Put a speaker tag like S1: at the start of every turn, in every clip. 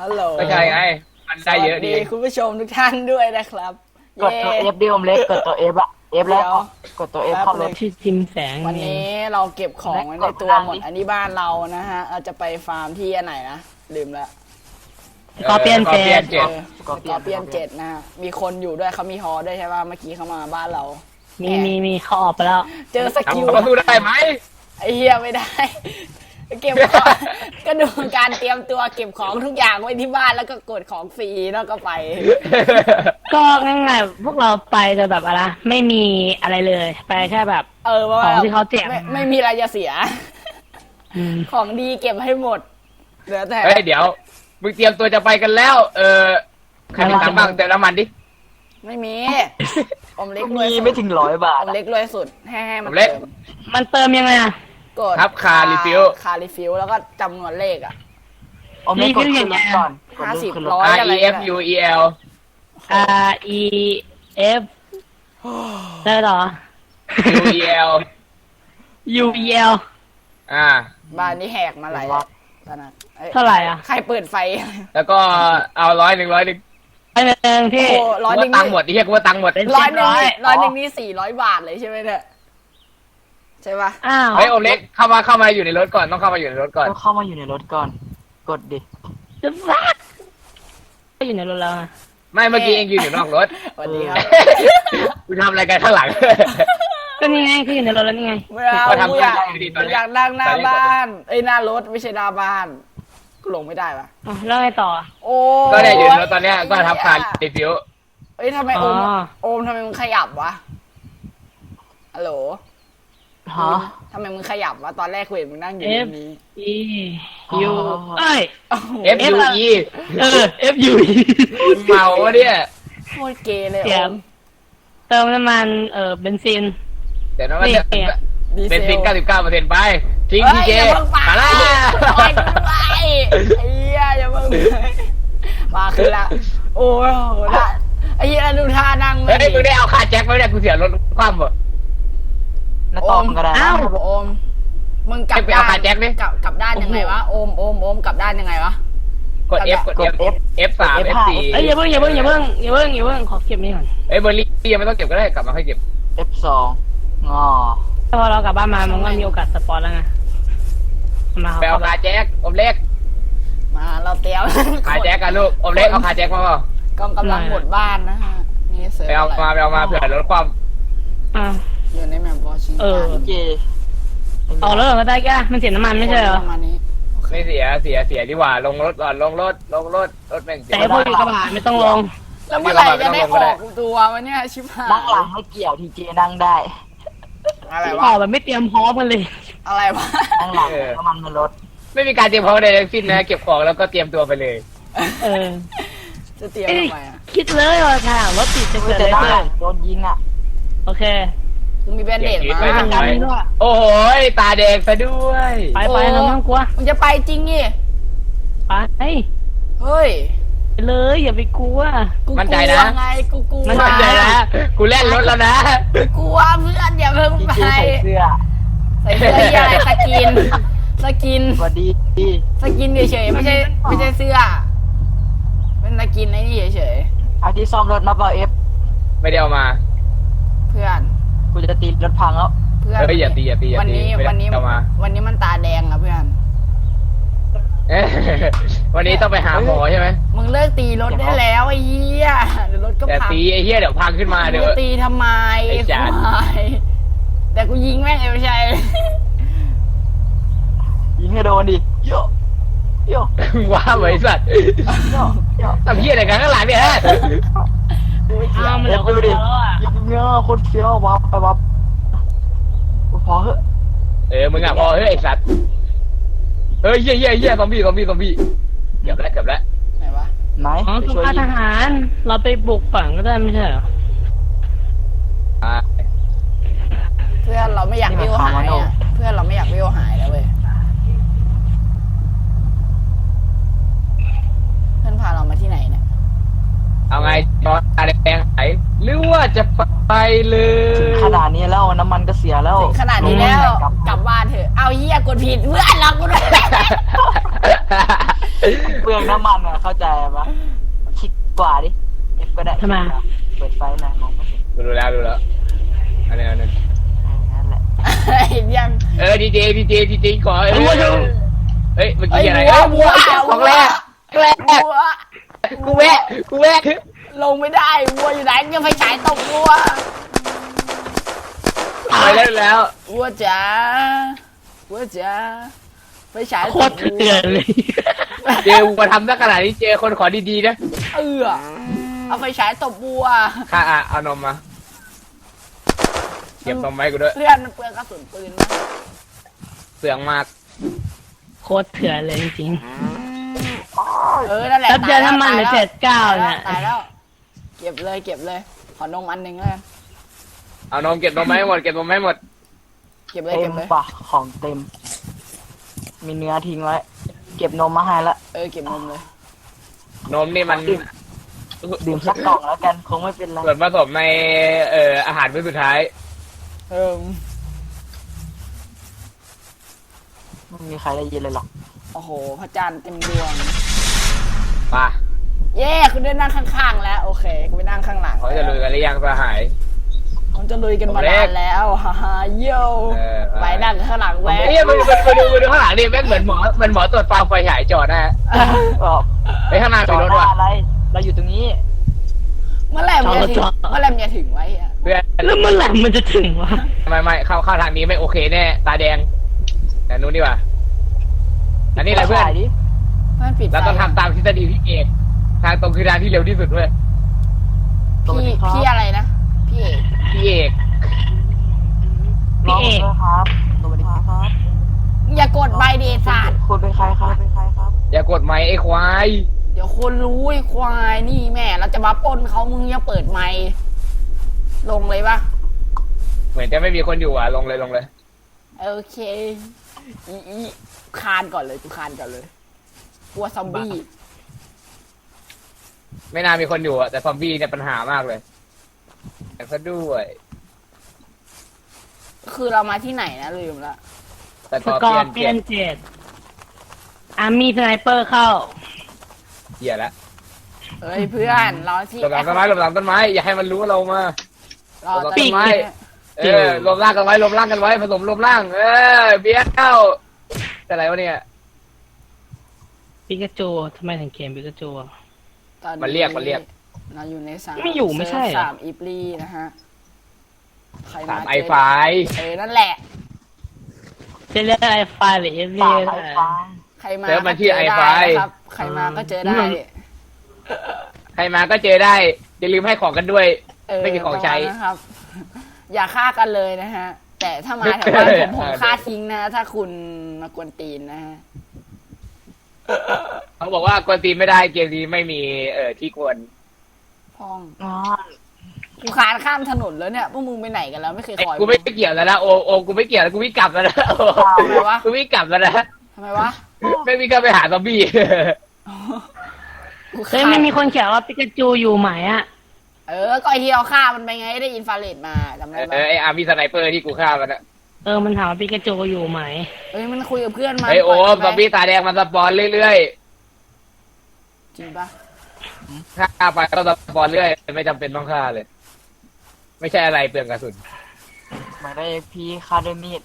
S1: ฮัลโหล
S2: ก็ใช่ไงมันได้เยอะดี
S1: คุณผู้ชมทุกท่านด้วยนะครับ
S3: กดตัว F ดิอมเล็กกดตัว F อะ F แล้วกดตัว F เข้ารถ
S4: ชื่อจิมแสง
S1: วันนี้เราเก็บของไว้ในตัวหมด อันนี้บ้านเรานะฮะเราจะไปฟาร์มที่อันไหนนะลืมละ
S4: สกอร์เปียนเจด
S1: เออสกอร์เปียน7นะฮะมีคนอยู่ด้วยเขามีฮอด้วยใช่ป่ะเมื่อกี้เขามาบ้านเรา
S4: มีเขาออกไปแล้ว
S1: เจอสกิล
S2: ทำเขาสู้ได้ไหม
S1: ไอ้เฮียไม่ได้ เก็บของก็ดูการเตรียมตัวเก็บของทุกอย่างไว้ที่บ้านแล้วก็กดของฟรีแล้วก็ไป
S4: ก็ง่ายๆพวกเราไปจะแบบอะไรไม่มีอะไรเลยไปแค่แบบ
S1: เพราะว่า
S4: ของที่เขาแจก
S1: ไม่มีอะไรจะเสีย
S4: อืม
S1: ของดีเก็บให้หมดเหลือแต่
S2: เฮ้ยเดี๋ยวมึงเตรียมตัวจะไปกันแล้วใครมีตังค์บ้างเติมน้ำมันดิ
S1: ไม่มีอมเล็กรว
S3: มี
S1: ยสุด
S3: ไม่ถึง100 บา
S1: อ
S3: ท
S1: มเล็กรวยสุดให้มัน
S2: อมเล็ก
S1: เติม
S4: มันเติมยังไงอะ
S1: กด
S2: ครับคารีฟิล
S1: คารีฟิลแล้วก็จำนวนเลขอ่ะ
S3: อมเล็กกดขึ้นรถก่อนกด
S1: 50
S3: ขึ้นรถ
S1: ร้อย
S2: R E F U E L
S4: R E F ได้เหรอ
S2: U E L
S4: U E L
S1: บ้านนี้แหกมาหลายตอนนั้นอ้ย
S4: เท่าไหร่อ่ะ
S1: ใครเปิดไฟ
S2: แล้วก็เอา100
S4: ไปหนึ่งพี่
S1: โอ้ร้อยหนึ่ง
S2: ตังค์หมดที่เรียกว่าตังค์หมด
S4: เป็น
S1: ร้อยหนึ่งนี่
S4: 700
S1: ร้อยหนึ่งนี่400 บาทเลยใช่ไหมเนี่ยใช่ปะ
S4: อ้าว
S2: เฮ้ยโอเล็กเข้ามาอยู่ในรถก่อนต้องเข้ามาอยู่ในรถก่อน
S3: ต้องเข้ามาอยู่ในรถก่อน กดดิ
S4: จะฟักก็อยู่ในรถแล้วอะ
S2: ไม่เมื่อกี้เองยืนอยู่นอกรถ
S1: สวัสดีครับ
S2: คุณทำอะไรกันข้างหลัง
S4: ก็นี่ไงคืออยู่ในรถแล้วนี่ไง
S1: ไม่เอา
S2: ก็ทำ
S1: กูอยาก
S2: ได้ดีตอนนี้
S1: อยากนั่งหน้าบ้านเอ้ยหน้ารถไม่ใช่หน้าบ้านกูลงไม่ได้ปะ
S4: อ่ะแล้วไงต่ออะ
S1: โอ้
S2: ก็เนี่ยอยู่ในรถตอนเนี้ยก็ทับคารีฟิล
S1: เอ้ยทำไมโอม
S4: อ๋อ
S1: โอมทำไมมึงขยับวะฮัลโหล
S3: ฮะ
S1: ทำไมมึงขยับวะตอนแรกกูเห็นมึงนั่งอยู่ตรงนี้
S4: E U เอ้ย
S1: โอ้โห
S2: F U E
S4: F U E
S2: เมาวะเนี่ย
S1: โคตรเกย์เลย
S4: เสี
S1: โอย
S4: ง
S1: ม
S4: เติมน้ำมันเบนซิน
S2: เดี๋ยวนะว่า
S4: นี่
S1: ดี
S2: เป็น
S1: เซ
S2: ซิง
S1: ล
S2: 99%ไปทิ้ง
S1: เฮ้
S2: ที
S1: ย
S2: เจ
S1: อย่าเพิ่งไป
S2: มาละ
S1: ปล่อยกูไปไอ้เหี้ยอย่าเพิ่งไปมาขึ้นละโอ้ยโหละไอ้เหี้ยดูท่านั่ง
S2: เฮ้ยมึงได้เอาคาแจ็คไหมเนี่ยกูเสียรถคว่ำบ่
S3: น้าตอมก็ได้
S1: อ้าวโอมมึงกลับ
S2: ไป
S1: ด้า
S2: เอา
S1: น
S2: ขาแจ็คดิ
S1: กลับด้านยังไงวะโอมกลับด้านยังไงวะ
S2: กด F กด F F3 F4
S4: เอ้ยอย่าเพิ่งขอเก็บนี่ก่อน
S2: เอ้ยเบอร์รี่ยังไม่ต้องเก็บก็ได้กลับมาค่อยเก็บ
S3: F2 งอ
S4: ถ้าพอเรากลับบ้านมามันก็มีโอกาสสปอนแล้วไงมา
S2: ไปเอาคาแจ็คอมเล็ก
S1: มาเราเตรียม
S2: คาแจ็คกันลูกอมเล็กเอาคาแจ็คมาเปล่าก
S1: ำลังหมดบ้านนะฮะนี่เสริม
S2: ไปเอา
S1: อะไร
S2: มาเผื่อรถคว่
S4: อ่ะ
S1: อยู่ในแมปวอชิง
S4: เออ
S1: ตัน
S3: เจ
S4: ออกแล้วเหรอก็ได้แกมันเสียน้ำมันไม่ใช่เหรอ
S1: ประมาณนี้
S2: ำไม่เสียดีกว่าลงรถก่อนลงรถแม่งเสีย
S4: แต่พวกอยู่กระบะไม่ต้องลง
S1: แล้วเมื่อไหร่จะได้ออกตัววะเนี่ยชิบหาย
S3: นั่งหลังไม่เกี่ยวทีเจนั่งได้
S1: อะไร
S4: อ
S1: วะ
S4: อกแบบไม่เตรียมพร้อมกันเลย
S1: อะไรวะ
S3: นั่งหลังน้ำมันในรถ
S2: ไม่มีการเตรียมพร้อมใดทั้งสิ้นนะเก็บของแล้วก็เตรียมตัวไปเลย
S4: เออ
S1: จะเตรียม
S4: เอ้ย
S1: ทำไมอ่ะ
S4: คิดเลยว่าค่ะรถติดจะเกิด
S3: แต่
S4: อะไร
S3: นั่งหลั
S4: ขึ้น
S3: งโดนยิงอ่ะ
S4: โอเค
S1: กูมีแบนเดด
S2: เดี๋ยว
S1: มา
S2: คิดไว้
S4: ทางการนี้ด้วย
S2: โอ้โหตาแดงซะด้วย
S4: ไปเราไม่ต้องกลัว
S1: มึงจะไปจริงนี่
S4: ไป
S1: เฮ้ย
S4: ไปเลยอย่าไปกลัว
S1: กูก
S2: มั่น
S1: ลั
S2: ใจ
S1: ว
S2: นะ
S1: ไงกูกลัว
S4: มั่น
S2: มั่นใจนะกูเล่นรถแล้วนะ
S1: กูกลัวเพื่อนอย่าเพิ่ง
S3: ที
S1: ไป
S3: เจใส่เสื้อ
S1: ใส่เสื้อใหญ่สกิน
S3: สวัสดี
S1: สกินเฉยๆไม่ใช่เสื้อ เป็นสกินไอ้นี่เฉย
S3: เอาที่ซ่อมรถมาเปล่า F
S2: ไม่ได้เอามา
S1: ๆเพื่อน
S3: กูจะตีรถพังแล้ว
S1: เพื่อน
S2: เฮ้ยอย่าตี
S1: วันนี้
S2: ไม่ได้
S1: วันนี้
S2: เอามา
S1: วันนี้มันตาแดงอะเพื่อน
S2: เอ๊ะวันนี้ต้องไปหาหมอใช่ไหม
S1: มึงเลิกตีรถได้แล้วไอ้เหี้ยเดี๋ยวรถก็
S2: แต่
S1: พัง
S2: ตีไอ้เหี้ยเดี๋ยวพังขึ้นมา
S1: มึ
S2: เดี๋
S1: ง
S2: ยว
S1: จะตีทำไม
S2: ไอ้จาน
S1: ควายแต่กูยิงแม่งเอวชัย
S3: ยิงให้โดนดิโยโย
S2: ว้าบริษัท
S3: โยโย
S2: ทำเหี้ยอะไรกันข้างหลังเนี่ยฮะ
S4: อ้าวมันเหลือคนเดียวแล้วอ่ะ
S3: ยิงเงี้ยคนเฟี้ยววับไปวับพอเหอะ
S2: มึงอ่ะพอเฮ้ยไอ้สัตว์เฮ้ยเหี้ยซอมบี้เกือบแล้ว
S1: ไหนวะ
S3: ไหน
S4: อ๋อ
S3: ไป
S4: สุ
S3: ช่วย
S4: ภา
S3: ยิ
S4: ท
S3: ง
S4: หาร เราไปบุกฝั่งก็ได้ไม่ใช่เหรอ
S1: เพื่อนเราไม่อยากวิวหายอะเพื่อนเราไม่อยากวิวหายแล้วเว้ยเพื่อนพาเรามาที่ไหนเนี่ย
S2: เอาไงจอดอะไรแดงไหนหรือว่าจะไปเลย
S3: ถึงขนาดนี้แล้วน้ำมันก็เสียแล้ว
S1: ถึงขนาดนี้แล้วกลับบ้านเถอะเอาเหี้ยกดผิดเพื่อนเรากูด้วย
S3: เปลืองน้ำมันอ่ะเข้าใจปะคิดกว่าดิเอฟก็ได้
S4: ทำไม
S3: เปิดไฟหน่อยมองไม่เห็น
S2: ดูแล้วอันนี้
S3: นั่นแหละ
S1: เห็นยัง
S2: ดีเจขอเฮ้ยเมื่อ
S1: เอ้
S2: กี้
S1: ย
S2: อะไร
S1: วัว
S2: ของแรก
S1: วัว
S2: กูแวะ
S1: ลงไม่ได้วัวอยู่ไหนยังไฟฉายตกวัว
S2: ไปแล้ว
S1: วัวจ๋าไฟฉาย
S4: โคตรเถื่อนเลย
S2: เจมาทำได้ขนาดนี้เจคนขอดีๆนะ
S1: เอาไฟฉายตบวัว
S2: ค่ะเอานมมาเก็บนมไว้กูด้วย
S1: เพื่อนมันเปลืองกระสุนปืนนะ
S2: เปลืองมาก
S4: โคตรเถื่อนเลยจริง
S1: นั่นแหละ
S4: ๆแล้วเจอน้ำมันเหลือ79เนี่ย
S1: ตายแล้วเก็บเลยขอนมอันหนึ่งเลย
S2: เอานมเก็บนมให้หมด
S1: เก็บเลย
S3: เต็มปะของเต็ม มีเนื้อทิ้งไว้ เก็บนมมาให้ละ
S1: เก็บนมเลย
S2: นมนี่มัน
S3: ดื่มสักกล่องแล้วกันคงไม่เป็นไร
S2: ส่วนผสมในอาหารมื้อสุดท้าย
S3: ไม่มีใครได้ยินเลยหรอก
S1: โอ้โหพระจันทร์เต็มดวง
S2: ป่ะ
S1: เย้คุณได้นั่งข้างๆแล้วโอเคคุณไปนั่งข้างหลัง
S2: เขาจะลุยกันหรือยังสหาย
S1: เขาจะลุยกันมานานแล้วฮ่าฮ่าโย่ไปนั่งข้างหลังแวะ
S2: เฮ้ยมาดูข้างหลังดิแม่งเหมือนหมอตรวจฟาร์มไฟฉายจอดนะฮะ ไปข้างหน้า
S3: จ
S2: มี
S3: อ
S2: ร
S3: ด
S2: ถ
S3: หน้า
S2: ว่ะ
S3: อะไร เราอยู่ตรงนี้
S1: เมื่อไหร่มันจะถึงไว้อะ
S2: เพื่อน
S4: แล้วเมื่อไหร่มันจะถึงวะ
S2: ไม่เข้าทางนี้ไม่โอเคแน่ตาแดงแต่นู้นดีกว่าอันนี้แหละเพื่อน
S3: ถ่ายดิ
S1: มันปิดไฟ
S2: เราต้องทำตามทฤษฎีพี่เอกทางตรงคือทางที่เร็วที่สุดเว้ย
S1: พี่อะไรนะพี่เอก
S2: พี่เอก
S3: น้องด้วยครับสวัสดีครับ
S1: อย่ากดใบเดชาสตร์
S3: คุณเป็นใครครับ
S2: อย่ากดไมค์ไอ้ควาย
S1: เดี๋ยวคนรู้ไอ้ควายนี่แม่เราจะมาปล้นเขามึงอย่าเปิดไมค์ลงเลยปะ
S2: เหมือนจะไม่มีคนอยู่อ่ะลงเลย
S1: โอเคอีคานก่อนเลยกูคานก่อนเลยกลัวซอมบี้
S2: ไม่น่ามีคนอยู่อ่ะแต่ซอมบี้เนี่ยปัญหามากเลยแต่ก็ด้วย
S1: คือเรามาที่ไหนนะลืมละ
S2: แต่
S4: ส
S2: ต่อก
S4: อ
S2: เปลี่
S4: ร์
S2: ยน
S4: เปียน7อาร์มี่สไนเปอร์เข้า
S2: เหี้ยละ
S1: เอ้ยเพื่อนเราที่
S2: หลบหลังต้นไม้อย่าให้มันรู้ว่าเรามา
S1: เรา
S2: หลบหลัง
S1: จะ
S2: ต้นไม้รวมร่างกันไว้ผสมรวมร่างเบี้ยเอ้าแต่อะไรวะเนี่ย
S4: ปิกาจูทำไมถึงเขียนปิกาจูอะ
S1: ตอน
S2: มันเรียก
S1: เราอยู่ในสาม
S4: ไม่อยู่ไม่ใช่เหรอ
S1: สามอีปลีนะฮะใคร
S2: สาม
S1: เจ
S2: ไอไฟ
S1: นั่นแหละ
S4: จะเรียกไอไฟหรือเอฟวี
S3: ปากไอ้ฟัง
S1: ใครมา
S2: เซิร์ฟมันชื่อ
S1: ก็เจ
S2: ไอไฟ
S1: ด้นะครับใครมาก็เจอได้
S2: ใครมาก็เจอได้อย่าลืมให้ของกันด้วย ไม่มีของใช้
S1: ประมาณนะครับ อย่าฆ่ากันเลยนะฮะ แต่ถ้ามาแถวบ้านผมฆ่าทิ้งนะ ถ้าคุณมากวนตีนนะฮะ
S2: เขาบอกว่ากวนตีนไม่ได้เกมนี้ไม่มีที่กวน
S1: พ้อง
S3: อ๋อ
S1: กูคานข้ามถนนแล้วเนี่ยพวกมึงไปไหนกันแล้วไม่เคยคอย
S2: กูไม่เกี่ยวแล้วนะโอกูไม่เกี่ยวแล้วกูวิ่งกลับแล้วนะกูวิ่งกลับแล้วนะ
S1: ทำไมวะ
S2: ไม่วิ่งก็ไปหาซอมบี้
S1: กู
S4: เคยไม่มีคนเขียนว่าปิกาจูอยู่ไหมอะ
S1: ก็ไอที่เราฆ่ามันไปไงได้อินฟราเรดมาจำได้ปะ
S2: ไออาร์มีสไนเปอร์ที่กูฆ่ามันนะ
S4: มันถามว่าปิกาจูอยู่ไหม
S1: มันคุยกับเพื่อนมา
S2: ไอโอมซอมบี้ตาแดงมันสปอนเรื่อย
S1: จริงปะ
S2: ๆฆ่าไปก็สปอนเรื่อยไม่จำเป็นต้องฆ่าเลย ไม่ใช่อะไรเปลืองกระสุน
S3: หมายได้พี่ฆ่าด้วยมีด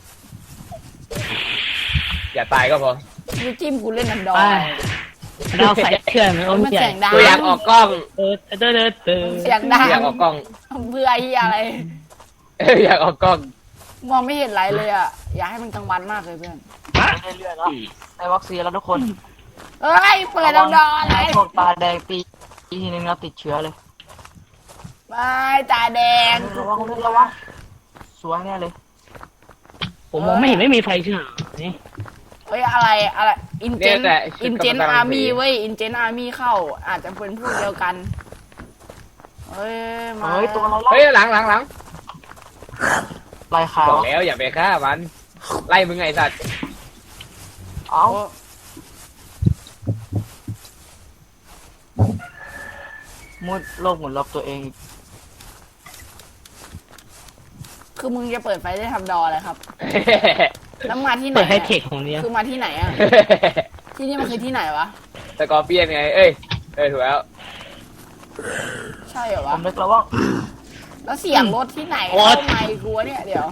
S2: อย่าตายก็พอ
S1: กูจิ้มกูเล่นนันดอ
S4: ไป
S1: น
S4: เราใส่เขื่อนมันอม
S1: มัน
S4: ใหญ่
S1: เสียงดัง
S2: ตัวอยากออกกล้อง
S1: เสียงดัง
S2: อยากออกกล้อง
S1: เพื่อเฮียอะไร
S2: อยากออกกล้อง
S1: มองไม่เห็นไรเลยอ่ะ อยากให้มันกลางวันมากเลยเพื่อน
S3: ไม่ได้เรื่อยแล้วในวัคซีนแล้วทุกคน
S1: เอ้ย เปิดนันดอนอะไร
S3: พวกตาแดงตีทีนึงแล้วติดเชื้อเลย
S1: ไม่ตาแดง
S3: ระวังสวยแน่เลย
S4: ผมมองไม่เห็นไม่มีไฟฉาย
S1: เฮ้ยอะไรอินเจนอาร์มี่เว้ยอินเจนอาร์มี่เข้า อาจจะเป็นพวกเดียวกัน เฮ้ยมา
S3: เฮ้ยตัวอะไร
S2: เฮ้ยหลัง
S3: ลายขาว
S2: บอกแล้วอย่าไปฆ่ามัน ไล่มึงไงสัตว์
S3: เอ้ามุดโลกหมุนรอบตัวเอง
S1: คือมึงจะเปิดไฟได้ทำดออะไรครับ แล้วมาที่ไหน
S4: เปิดให้เทคของเนี้ย
S1: คือมาที่ไหนอ่ะ ที่นี่มันคือที่ไหนวะ
S2: สกอร์เปียนไงเอ้ยถูกแล้ว
S1: ใช่เหรอ
S3: ผ
S1: วะ
S3: มนึกแล้วว่า
S1: แล้วเสียงรถที่ไหนเข้าไมค์กูวะเนี่ยเดี๋ยว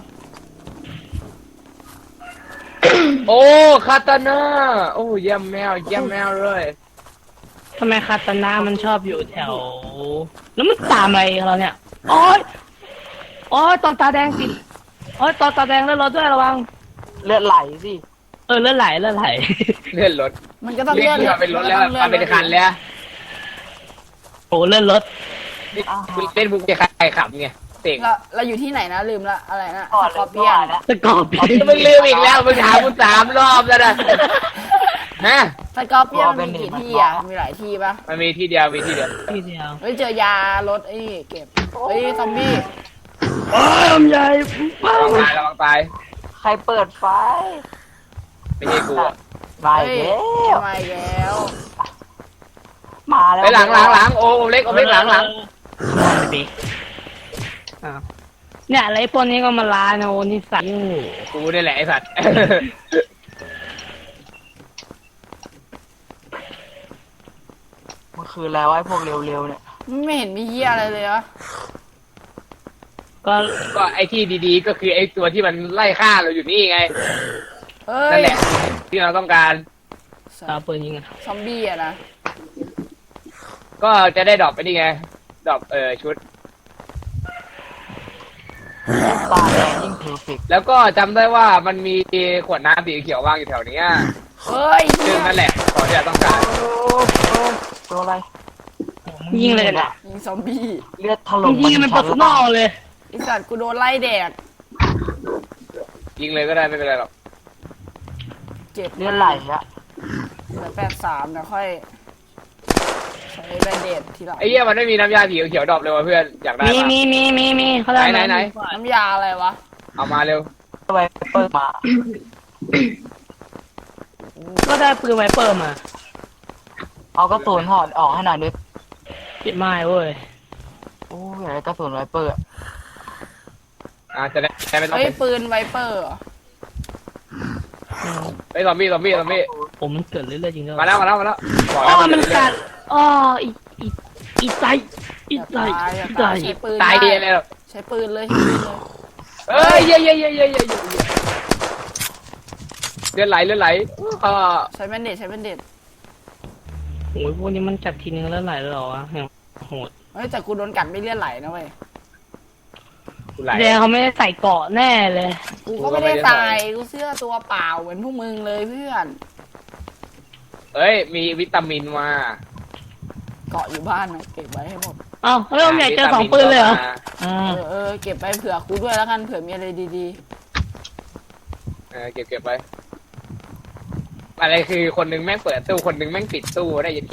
S2: โอ้คาตาน่าโอ้เยี่ยมแมวเลย
S4: ทำไมคาตานามันชอบอยู่แถว แล้วมันตามอะไรเราเนี่ยโอ๊ยโอ๊ยตอนตาแดงติดโอ๊ยตอนตาแดงแล้วรถด้วยระวัง
S3: เลือดไหลสิ
S4: เลือดไหลเลือดไหล
S2: เลื่อนรถ
S1: มันก็ต้อง
S2: เรีย
S1: เลื่
S2: ก
S1: อน
S2: เรือเป็นรถแล้วมาเป็นคันแล้ว
S4: โอ้เลื่อนรถ
S2: นี่คุณเล่นบุกจะใครขับไงเตะ
S1: เราอยู่ที่ไหนนะลืมละอะไรนะ
S3: ก่อน
S1: ส
S3: เล
S1: กอย ร์เปียน
S3: นะ
S4: สกอร์เปียน
S2: มึงลืมอีกแล้วมึงถามกู3 รอบแล้วนะฮะ
S1: สกอร์เปียนมันมีกี่ที่อ่ะมีหลายที่ปะ
S2: มันมีที่เดียว
S4: ทีเดียว
S1: เฮ้ยเจอยารถไอ้เก็บเฮ้ยซอมบี้
S4: โอ้ยลำใหญ่ป้า
S2: ระวังตาย
S3: ใครเปิดไฟ
S2: ไม่ใช่กูอะ
S3: มา
S1: เฮ้ย
S3: อีกแล้ว
S1: มาอีกแล้ว
S3: มาแล้ว
S2: ไปหลังโอ้เล็กหลัง
S4: ดิเนี่ยอะไรพวกนี้ก็มาลานะโอ้นี่สัตว์
S2: กูนี่แหละไอ้สัตว์
S3: มันคืออะไรวะไอ้พวกเร็วๆเนี่ย
S1: ไม่เห็นมีเหี้ยอะไรเลยวะ
S4: ก็
S2: ก็ไอ้ที่ดีๆก็คือไอ้ตัวที่มันไล่ฆ่าเราอยู่นี่ไง
S1: เฮ้
S2: นั่
S1: ย
S2: นแหละที่เราต้องการ
S4: ตาปืนยิงอะ
S1: ซอมบี้อะนะ
S2: ก็จะได้ดรอปไปนี่ไงดรอปชุด
S3: ตาแดงยิ่งเพอร์เฟกต์
S2: แล้วก็จำได้ว่ามันมีขวดน้ำสีเขียววางอยู่แถวเนี้ย
S1: เฮ้ย
S2: ซึ่งนั่นแหละของที่เราต้องการ
S3: ตัวอะไร
S4: ยิงเลยเนี่ย
S1: ยิงซอมบี้
S3: เลือดถล่ม
S4: ยิงมัน
S3: ชั้
S4: ปัสนอลเลย
S1: ไอสัตว์กูโดนไล่แดก
S2: ยิงเลยก็ได้ไม่เป็นไรหรอก
S1: เจ็บ
S3: เลือดไหลอะ
S1: เหลือ83นะค่อยใช้แบนเดดทีหลัง
S2: ไอ้เหี้ยมันไม่มีน้ำยาสีเขียวดรอปเลยวะเพื่อนอยากได้
S4: มี
S2: ปะ
S4: มีเขาได้
S2: ไหน
S1: น้ำยาอะไรวะ
S2: เอามาเร็ว
S3: ไวเปิดมา
S4: ก็ได้ปืนไวเปอร์มา
S3: เอากระสุนถอดออกให้หน่อยดิ
S4: ปิดไม้เว้ย
S3: โอ้ยอยากได้กระสุนไวเปิด
S2: จะได้ไม่ต้อง
S1: เฮ้ยปืนไวเปอร์เหรอ
S2: ไอ้ซอมบี้
S4: ผมมันเกิดเรื่อยๆจริงด้วย
S2: มาแล้วบอก
S4: อ๋
S2: แล้ว
S4: อมันกัดอ๋ออีใจอีใจอีใจ
S1: ใช้ปืน
S2: ตาย
S1: ได้
S2: เลย
S1: ใช้ปืนเลยใช้ปืนเลย
S2: เอ้ยเย้เลือดไหล
S1: ใช้แบนเดดใช้แบนเดด
S4: โอ้ยพวกนี้มันจัดทีนึงแล้วไหลเลยเหรอวะโหด
S1: เฮ้ยแต่กูโดนกัดไม่เลือดไหลนะเว้ย
S2: ไหล
S4: แดงเขาไม่ได้ใส่เกาะแน่เลย
S1: กูก็ไม่ได้ตายกูเสื้อตัวเปล่าเหมือนพวกมึงเลยเพื่อน
S2: เอ้ยมีวิตามินมา
S1: เกาะอยู่บ้านนะเก็บไว้ให้หมด
S4: เอ้าแล้วผมอยากเจอ2 ปืนเลยเหรออ่า
S1: เก็บไปเผื่อกูด้วยแล้วกันเผื่อมีอะไรดี
S2: เก็บไปอะไรคือคนหนึงแม่งเปิดตู้คนหนึงแม่งปิดตู้ได้ยันเก้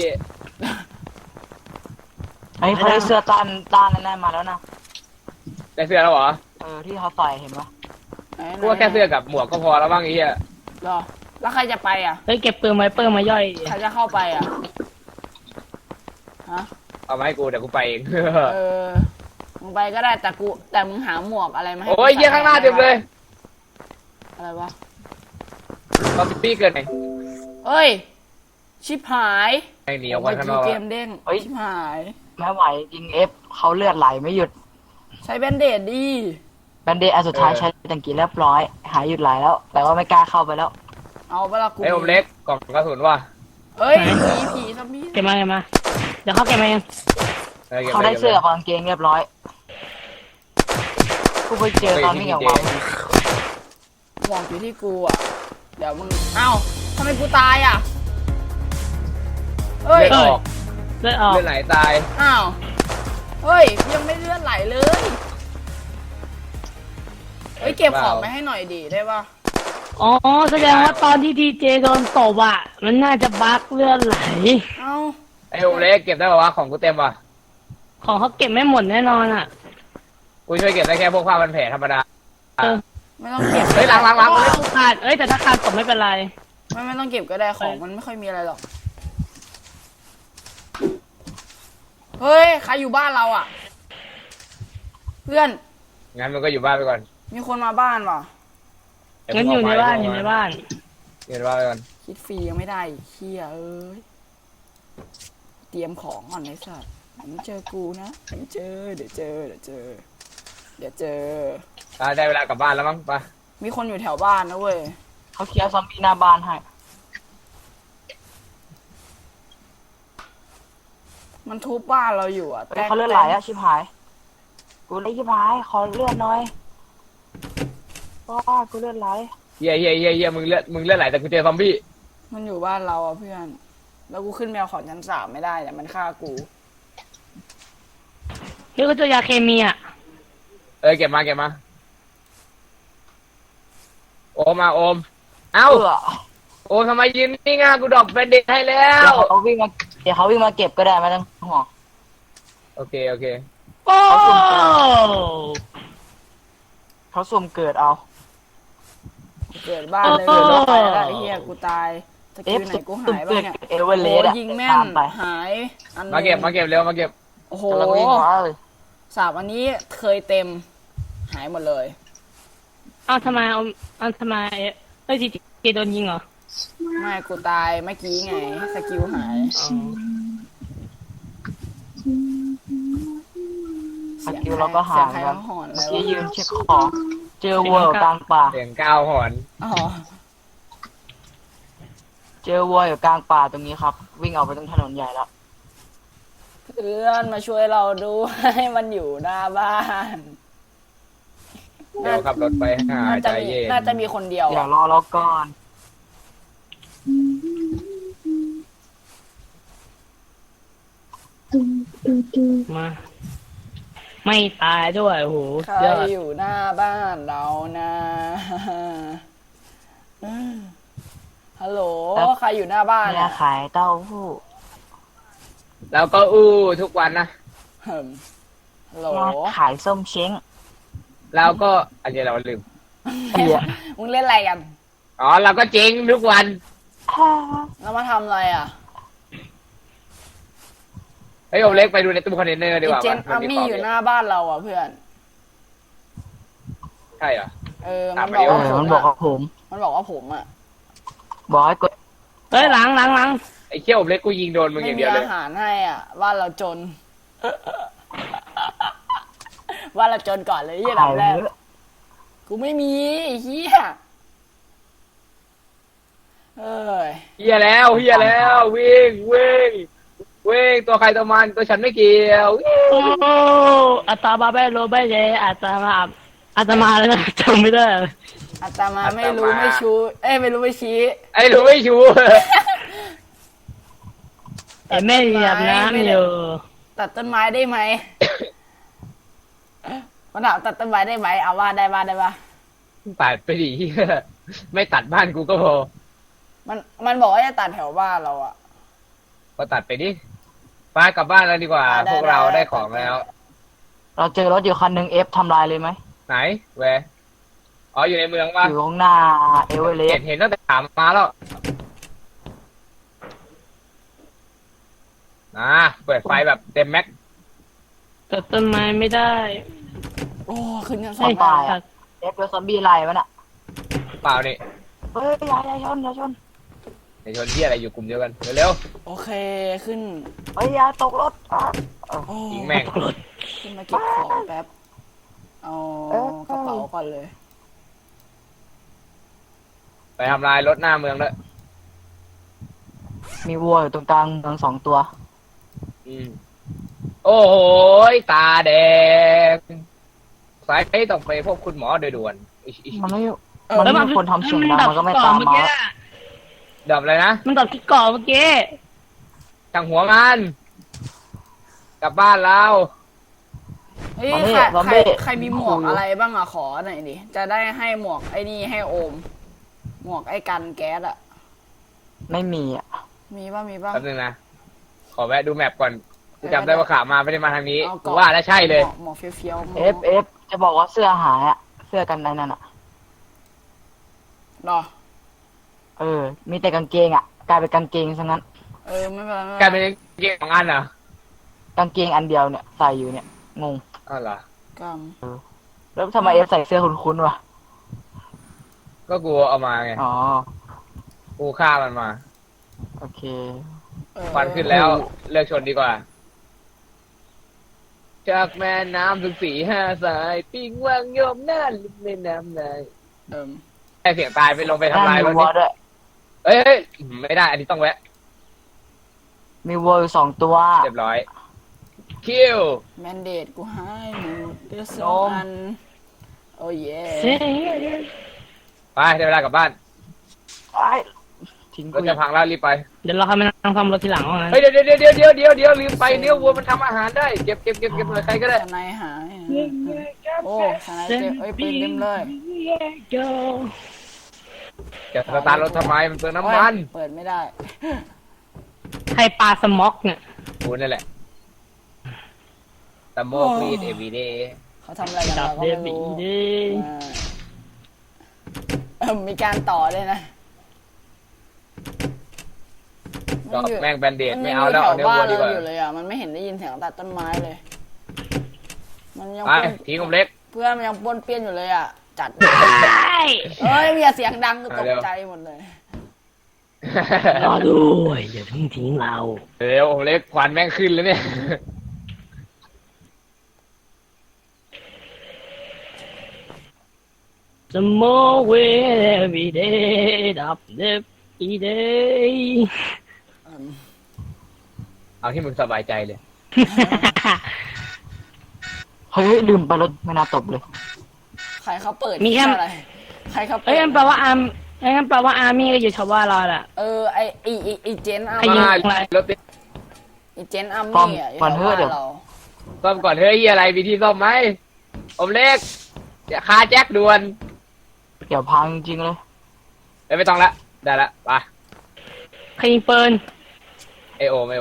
S3: ไอ้เขาได้เสื้อต้านแน่ๆมาแล้วนะ
S2: ได้เสื้อแล้วเหรอ
S3: ที่เขาใส่เห็นปะ
S1: ๆไหน
S2: กูว่าแค่เสื้อกับหมวกก็พอแล้วบ้างไอ้เหี้ย
S1: เหรอแล้วใครจะไปอ่ะ
S4: เฮ้ยเก็บปืนไวเปอร์มาย่อย
S1: ใครจะเข้าไปอ่ะฮะ
S2: เอามาให้กูเดี๋ยวกูไปเอง
S1: มึงไปก็ได้แต่มึงหาหมวกอะไรมาให้
S2: โอ้ยเหี้ยข้างหน้าเต็มเลย
S1: อะไรวะ
S2: ซอมบี้เกินไหน
S1: เอ้ยชิบหาย
S2: ไอ้หนีออกมาข้างนอก
S1: เก
S2: อะ
S1: มเด้งชิบหาย
S3: ไม่ไหวจริงเอฟเขาเลือดไหลไม่หยุด
S1: ใช้แบนเดดดิ
S3: แบนเดอันสุดท้ายใช้ตังกี้เรียบร้อย หายหยุดไหลแล้ว แต่ว่าไม่กล้าเข้าไปแล้ว
S1: เอาเวลากู
S2: ไอ้ผมเล็กกล่องกระสุนว่ะ
S1: เอ้ยผีซอมบี้
S4: เก็บมาเดี๋ยวเขาเก็บมาเอง
S2: ก็บ
S3: เขา
S2: ป
S3: ได้เสื้อ
S2: ก็
S3: กับบกางเกงเรียบร้อยกูไปเจอตอนวิ่งออกมา
S1: หมวกอยู่ที่กูอ่ะเดี๋ยวมึงเอ้าทำไมกูตายอ่ะเฮ้
S2: เลื
S1: ย
S2: อดออก
S4: เลือดออก
S2: เลือดไหลตาย
S1: อ้าวเฮ้ยยังไม่เลื่อนไหลเลยเฮ้ยเก็บของไปให้หน่อยดีได้ปะ
S4: อ๋อแสดงว่าตอนที่ดีเจโดนตบอ่ะมันน่าจะบั๊กเลือดไหล
S1: เอ้า
S2: ไอ้ผมเล็กเก็บได้ป่าวะของกูเต็มว่ะ
S4: ของเขาเก็บไม่หมดแน่นอนอ่ะ
S2: กูช่วยเก็บได้แค่พวกผ้าพันแผลธรรมดา
S1: ไม่ต้องเก็บ
S2: เฮ้ยหลัง
S4: โอ้ขาดแต่ถ้าขาดตบไม่เป็นไร
S1: ไม่ต้องเก็บก็ได้ของมันไม่ค่อยมีอะไรหรอกเฮ้ยใครอยู่บ้านเราอ่ะ เพื่อน
S2: งั้นมันก็อยู่บ้านไปก่อน
S1: มีคนมาบ้านว่ะ
S4: งั้นอยู่ในบ้าน
S2: อยู่ในบ้านไปก่อน
S1: คิดฟรียังไม่ได้อีกเฮียเอ้ยเตรียมของก่อนไอ้สัสมึงเจอกูนะมึงเจอเดี๋ยวเจอเดี๋ยวเจอเดี๋ยวเจอ
S2: ได้เวลากลับบ้านแล้วมั้งไป
S1: มีคนอยู่แถวบ้านนะเว้ย
S3: เขาเคลียร์ซอมบี้หน้าบ้านให้
S1: มันทุบบ้านเราอยู่อ่ะ
S3: เฮ้ยเขาเลือดไหลอะชิบหายกูเลยชิบหายขอเลือดหน่อยว้ากูเลือดไหล
S2: เฮียมึงเลือดไหลแต่กูเจอซอมบี้
S1: มันอยู่บ้านเราอ่ะเพื่อน แล้วกูขึ้นแมวขอนชั้น3ไม่ได้เนี่ยมันฆ่ากู
S4: เฮ้ยก็เจอยาเคมีอ่ะ
S2: เก็บมาโอมมาโอมเอ้า
S3: เออ
S2: โอมทำไมยืนนี่ง่ะกูดรอปแบนเด็ให้แล้
S3: เดี๋ยว
S2: ว
S3: เขาวิ่งมาเก็บก็ได้ไม่ต้องห่วง
S2: โอเค
S4: โอ้
S3: เขาสุ่มเกิดเอา
S1: เกิดบ้านเลยเกิดรถไฟแล้วไอ้เหี้ยกูตายสกิลไหนกูหายบ้างเนี่ย
S3: เอเวอเร
S1: โอ้
S3: สต์อะ
S1: ยิงแม่
S3: ตาน มไป
S1: หายอันนึง
S2: มาเก็บเร็วมาเก็บ
S1: โอ้โห
S3: กำลังวิ่งมาเลย
S1: 3 อันนี้เคยเต็มหายหมดเลย
S4: เอาทำไมเฮ้ยจีโดนยิงเหรอ
S1: ไม่กูตายเมื่อกี้ไงสกิลหาย
S4: อ๋อ
S3: สกิลเราก็หา
S1: เสีย
S3: ย
S1: งใคร
S3: กั
S1: มาน หอนอะไร
S3: เมื่อกี้
S1: วะ
S3: ยืนเช็คของเจอวัวอยู่กลางป่า
S2: เสียงก้าวหอน
S1: อ๋อ
S3: เจอวัวอยู่กลางป่าตรงนี้ครับ วิ่งออกไปตรงถนนใหญ่แล้ว
S1: เพื่อนมาช่วยเราดูให้มันอยู่หน้าบ้าน
S2: เดี๋ยวขับรถไปหาใจเย็น
S1: น่าจะมีคนเดียว
S3: เดี๋ยว
S1: อะ
S3: รอเราก่อน
S4: มาไม่ตายด้วยโอ้โห
S1: ใคร
S4: ยอด
S1: อยู่หน้าบ้านเรานะฮัลโหลใครอยู่หน้าบ้าน
S3: แม่
S1: เนี่ย
S3: ขายเต้าหู้
S2: แล้วก็อู้ทุกวันนะ
S1: เหิมฮัลโหล
S3: แม่ขายส้มเช้ง
S2: แล้วก็อันนี้เราลืม
S3: เหี้ย
S1: มึงเล่นอะไรกัน
S2: อ๋อเราก็เจ๊งทุกวัน
S1: แล้วมาทำอะไรอ่ะ
S2: เฮ้ยโอเล็กไปดูในตู้คอนเทนเนอร์ดี
S1: อี
S2: กว่า
S1: เจนอามี่อยู่หน้าบ้านเราอ่ะเพื่อน
S2: ใช่เหรอ
S1: มัน
S2: ตาม
S1: บอก
S2: มาดิ
S1: ว่า
S3: มันบอกกับผม
S1: มันบอกว่าผมอ่ะ
S3: บอกให้กด
S4: เฮ้ยหลัง
S2: ไอ้เขี้ยวโอเล็กกูยิงโดนมึงอ
S1: ไม่
S2: ย่าง
S1: มี
S2: เดียวเลย
S1: อาหารให้อ่ะบ้านเราจน บ้านเราจนก่อนเลยยี่หลั
S3: ขาย
S1: งแรก
S3: เยอะ
S1: กูไม่มีไอ้เฮียเอ้ย
S2: เฮียแล้ววิ่งตัวใครตัวมันตัวฉันไม่เกี่ยว
S4: โอ้อัตมาไม่รู้ไม่เจอัตมาแล้วนะจำไม่ได้
S1: อาตมาไม่รู้ไม่ชูไม่รู้ไม่ชี้
S2: ไอ้รู้ไม่ชู
S4: แต่แม่เหยียบน้ำอยู่
S1: ตัดต้นไม้ได้ไหม มันถามตัดต้นไม้ได้ไหมเอาว่าได้ปะ
S2: ตัดไปดิเหี้ยไม่ตัดบ้านกูก็พอ
S1: มันบอกว่าจะตัดแถวบ้านเราอะ
S2: ก็ตัดไปดิไปกลับบ้านแล้วดีกว่า
S1: ได้
S2: พวกเรา
S1: ได้
S2: ได้ของแล้ว
S3: เราเจอรถอยู่คันหนึ่งเอฟทำลายเลยไหม
S2: ไหนแวร์อ๋ออยู่ในเมืองป่ะ
S3: อยู่ข้างหน้าเอเวอเรสต์
S2: เห็นตั้งแต่ถามมาแล้วเปิดไฟแบบเต็มแม็ก
S4: ตัดต้นไม้ไม่ได้
S1: โอ้ขึ้นกันส
S4: ให้
S1: องบ้าน
S4: ตัด
S3: เอฟโดนซอมบี้ไล่มันอ่ะ
S2: เปล่านี่
S3: เฮ้ยอย่าชน
S2: ในชนที่อะไรอยู่กลุ่มเดียวกันเร็ว
S1: โอเคขึ้น
S3: เฮ้ยอย่าตกรถอ่ะ
S1: โอ้
S2: ๆยิงแม่ง
S1: ขึ้นมาเก็บของแป๊บเอากระเป๋าก่อนเลย
S2: ไปทำลายรถหน้าเมืองด้วย
S3: มีวัวอยู่ตรงกลางเมือง2 ตัว
S2: โอ้โหตาแดงสายต้องไปพบคุณหมอโดยด่วน
S3: มันไม่
S1: เออ
S3: มันไม่มีคนทำเสียงดังมันก็ไม่ตามมา
S2: ดับเลยนะ
S4: มันดับที่เกาะเมื่อกี้
S2: จังหัวมันกลับบ้านเรา
S1: เฮ้ย
S3: มานี่
S1: ใคร
S3: ซอมบี้
S1: ใครมีหมวกอะไรบ้างอะขอหน่อยดิจะได้ให้หมวกไอ้นี่ให้โอม หมวกไอ้กันแก๊สอะ
S3: ไม่มีอ่ะ
S1: มีป่ะ
S2: แป๊บนึงนะขอแวะดูแมปก่อนกูจำได้ว่าขามาไม่ได้มาทางนี้
S1: เอา
S2: กู
S1: ก่อน
S2: ว่าแล้วใช่เลย
S1: หมวกเฟี้ยวๆ
S3: เอฟจะบอกว่าเสื้อหายอ่ะเสื้อกันในนั่นอ่ะ
S1: หรอ
S3: มีแต่กางเกงอ่ะกลายเป็นกางเกงซะงั้น
S1: ไม่เป็นไรไม่
S2: กลาย
S1: เป็
S2: เป็น น
S1: ไร
S2: เกมของอันเหรอก
S3: างเกงอันเดียวเนี่ยใส่อยู่เนี่ยงง
S2: อ้าวเหรอก
S1: รรม
S3: แล้วทำไมเอฟใส่เสื้อคุ้นๆวะ
S2: ก็กูเอามาไง
S3: อ๋อ
S2: กูฆ่ามันมา
S3: โอเค
S2: ควันขึ้นแล้วเลิกชนดีกว่า จากแม่น้ำถึง4-5 สายปิ้งว่างโยมหน้าลิมแม่น้ำนาย
S1: เอิ่ม
S2: ไอเสียงตายไปลงไปทำลายร
S3: มี
S2: ถ
S3: วัว
S2: นี่
S3: ด้วย
S2: เอ้ยไม่ได้ อันนี้ต้องแวะ
S3: มีวัวอยู่2 ตัว
S2: เรียบร้อยคิว
S1: แมนเดตกูให้หมดเดือดส
S3: น
S1: อง
S3: ม
S1: อันโอ้เย่
S4: เซ่
S2: ไปได้เวลากลับบ้าน
S3: ไอ้ทิ้ง
S2: ร
S3: กู
S2: ถจะพังแล้วรีบไป
S4: เดี๋ยวเราให้มันนั่งซ่อมรถทีหลังว่างั้น
S2: เฮ้ยเดี๋ยวลืมไปเนื้อวัวมันทำอาหารได้เก็บเลยใครก็ได้
S1: สไนหายโอ้สไนเต็มเอ้ยปืนเต็มเลย
S2: จะสตาร์ทรถทำไมมันเปลืองน้ำมัน
S1: เปิดไม่ได้
S4: ใครปลาสม็อกเนี่ย
S2: กูนั่นแหละตะโมกรีดเอวีเดย์
S1: เขาทำอะไรกัน
S4: จับ
S1: เราก็
S4: เด
S1: ไม่
S4: บิ
S1: รู้
S4: เด
S1: มีการต่อเลยนะ
S2: ก็แม่งแบนเดด
S1: มัน
S2: ไม่
S1: ยัง
S2: เอา
S1: อยู่
S2: แล้ว
S1: แถ
S2: เอา
S1: ว
S2: เนื้อ
S1: บ้าน
S2: วัวดี
S1: เรา
S2: กว่า
S1: อยู่เลยอ่ะมันไม่เห็นได้ยินเสียงตัดต้นไม้เลย มันยัง
S2: ไป
S1: ป้วน
S2: ทิ้งผมเล็ก
S1: เพื่อนมันยังป้วนเปี้ยนอยู่เลยอ่ะ จัด
S4: ใช่
S1: เอ้ยอย่าเสียงดังกูตก
S2: เอาเร็ว
S1: ใจหมดเลย
S4: รอด้วยอย่าเพิ่งทิ้งเรา
S2: เร็วผมเล็กควันแม่งขึ้นแล้วเนี่ย
S4: สมอเวเอวีเดย์ดับเดบิเดย์
S2: เอาที่มึงสบายใจเลย
S3: เฮ้ยลืมไปรถไม่น่าตบเลย
S1: ใครเขาเปิด
S4: มีแค่
S1: อะไร ใครเขาเปิด
S4: เอ้ยงั้นแปลว่าอาร์มงั้นแปลว่าอาร์มี่ก็อยู่ชาวบ้านเราแหละ
S1: ไอเจนอาร์
S4: ใครยิ
S1: มี่
S4: ง อะไร
S2: รถติด
S1: ไอเจนอาร์มี่อ่ะอยู่
S3: ก่อน
S1: แถ
S3: เถ
S1: ว
S3: อะ
S1: บ้าน
S3: เดี๋ยว
S1: เรา
S2: ซ่อมก่อนเฮ้ยอะไรมีที่ซ่อมไหมผมเล็กอย่าคาแจ็คด่วน
S3: เดี๋ยวพังจริงๆเลย
S2: เอ้ยไม่ต้องละได้ละไป
S4: ใครยิงปืน
S2: ไอโอม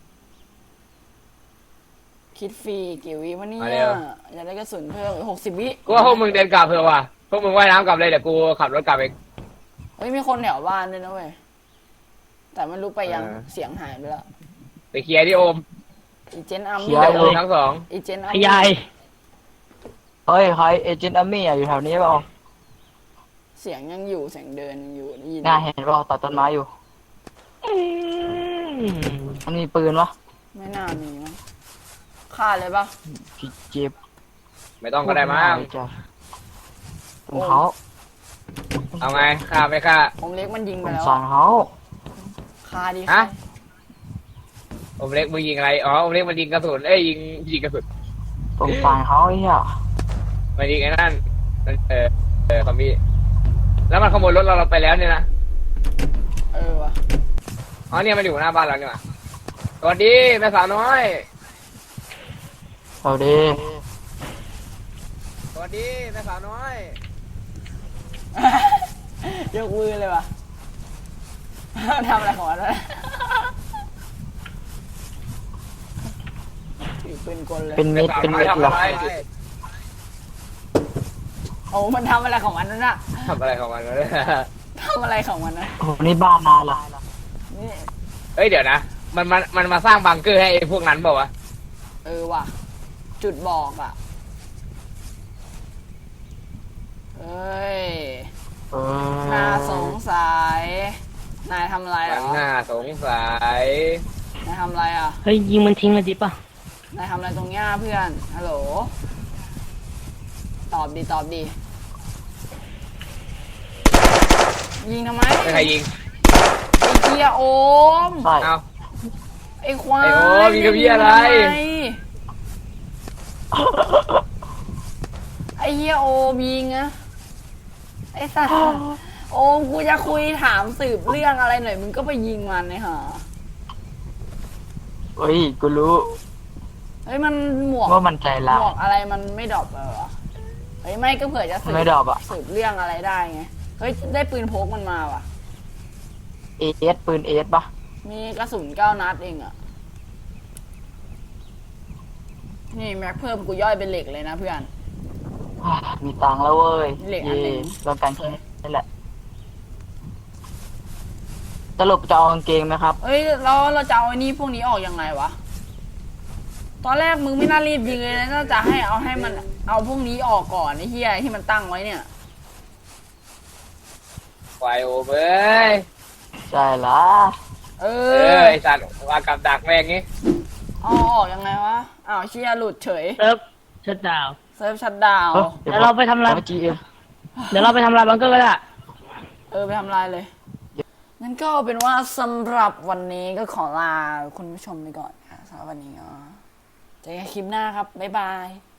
S1: คิดฟรีกี่วิวะเนี่
S2: มาเร็
S1: ยว อยากได้กระสุนเพิ่ม60 วิ
S2: กูว่าพวกมึงเดินกลับเถอะว่ะพวกมึงว่ายน้ำกลับเลยเดี๋ยวกูขับรถกลับเอง
S1: เฮ้ยมีคนแถวบ้านด้วยนะเว้ยแต่ไม่รู้ไปยัง เสียงหายไปแล้ว
S2: ไปเคลียร์ที่โอม
S1: ไอเจนอาร์
S3: เคลี
S1: มี่
S3: ยร์
S2: โอมทั้งสอง
S1: ไอเจนอาร์
S4: ข
S1: มี่
S4: ยาย
S3: เฮ้ยใครเอเจนต์อาร์มี่อยู่แถวนี้เปล่า
S1: เสียงยังอยู่เสียงเดินยังอยู่ได้ยิน
S3: น่าเห็นเปล่าตัดต้นไม้อยู่
S4: อืม
S3: มันมีปืนวะ
S1: ไม่น่ามีมั้งฆ่าเลยปะ
S3: พี่เจ็บ
S2: ไม่ต้องก็ได้มั้ง
S3: จ้ะตรงเขา
S2: เอาไงฆ่าไม่ฆ่า
S1: ผมเล็กมันยิง
S3: ส
S1: ไป
S3: ง
S1: แล้ว
S3: สารเขา
S1: ฆ่าดี
S2: ฮะ โอมเล็กมึงยิงอะไรอ๋อโอมเล็กมันยิงกระสุนเอ้ยยิงกระสุน
S3: สงสารเขาไอ้เหี้ย
S2: มันยิงไอ้นั่นมันคอมบี้แล้วมันขโมยรถเราไปแล้วเนี่ยนะ
S1: เออวะ
S2: อ๋อเนี่ยมันอยู่หน้าบ้านเราเนี่ยว่ะสวัสดีแม่สาวน้อย
S3: เอาดี
S2: สวัสดีแม่สาวน้อย
S1: ยกมือเลยวะ ทำอะไรของมันวะถือปืนกลเลย
S3: เป็น
S2: แม่
S3: มิด
S2: สาว
S3: เป็น
S2: น้อย
S3: มิด
S2: ทำ
S3: เหรอ
S2: อะไร
S1: โอ้มันทำอะไรของมันนั่นน่ะ
S2: ทำอะไรของมันวะเนี่ย
S1: ทำอะไรของมันนะ
S3: โอ้โหนี่บ้านนานละ
S1: นี่
S2: เอ้ยเดี๋ยวนะมันมาสร้างบังเกอร์ให้ไอ้พวกนั้นเปล่าวะ
S1: เออว่ะ จุดบอกอ่ะเอ้ย
S3: เออ
S1: น่าสงสัยนายทำอะไรเหร
S2: มัน
S1: อ
S2: น่าสงสัย
S1: นายทำอะไรอ่ะ
S4: เฮ้ยยิงมันทิ้งเลยดิป่ะ
S1: นายทำอะไรตรงเนี้ยเพื่อนฮัลโหลตอบดียิงทำไม
S2: ไม่ใครยิง
S1: ไอ้เกียโอม
S3: ใช่
S2: เอา
S1: ไอ้ควาย
S2: ไอ้โอมยิงกับพี่อะไร
S1: ไอ้เฮียโอมยิงอะไอ้สัตว์โอมกูจะคุยถามสืบเรื่องอะไรหน่อยมึงก็ไปยิงมันเนี่ยฮะ
S3: เฮ้ยกูรู้
S1: เฮ้ยมันหมวก
S3: ว่ามันใจ
S1: ห
S3: ร้าม
S1: วย กอะไรมันไม่ดรอปเลยวะเฮ้ยไม่ก็เผื่อจะสืบ
S3: ไม่ดรอปอะ
S1: สืบเรื่องอะไรได้ไงเฮ้ยได้ปืนพกมันมาว่ะ
S3: เอสปืนเอสปะ
S1: มีกระสุน9 นัดเองอะนี่แม็กเพิ่มกูย่อยเป็นเหล็กเลยนะเพื่อน
S3: อ่ามีตังค์แล้วเว้ย
S1: เหล็กอันหนึ่ง
S3: เราการแค่นี่แหละสรุปจะเอากางเกงไหมครับ
S1: เอ้ยเราจะเอาไอ้นี่พวกนี้ออกยังไงวะ ตอนแรกมึงไม่น่ารีบยิงเลยนะน่าจะให้มันเอาพวกนี้ออกก่อนไอ้เหี้ยที่มันตั้งไว้เนี่ย
S2: ควายโอมเอ้ย
S3: ใช่ละ
S1: เอ
S2: เอ
S1: อ
S2: อไอสัตว์วางกับดักแม่งงี้
S1: อ๋อออกยังไงวะอ้าวเชียหลุดเฉย
S4: เซิร์ฟชัดดาวน์
S1: เซิร์ฟชัดดาวน์
S4: เดี๋ยวเราไปทำลาย
S3: GM
S4: เดี๋ยวเราไปทำลายบังเกอร์ก็ได้
S1: ไปทำลายเลยงั้นก็เป็นว่าสำหรับวันนี้ก็ขอลาคุณผู้ชมไปก่อนค่ะสำหรับวันนี้ก็เจอกันคลิปหน้าครับบ๊ายบาย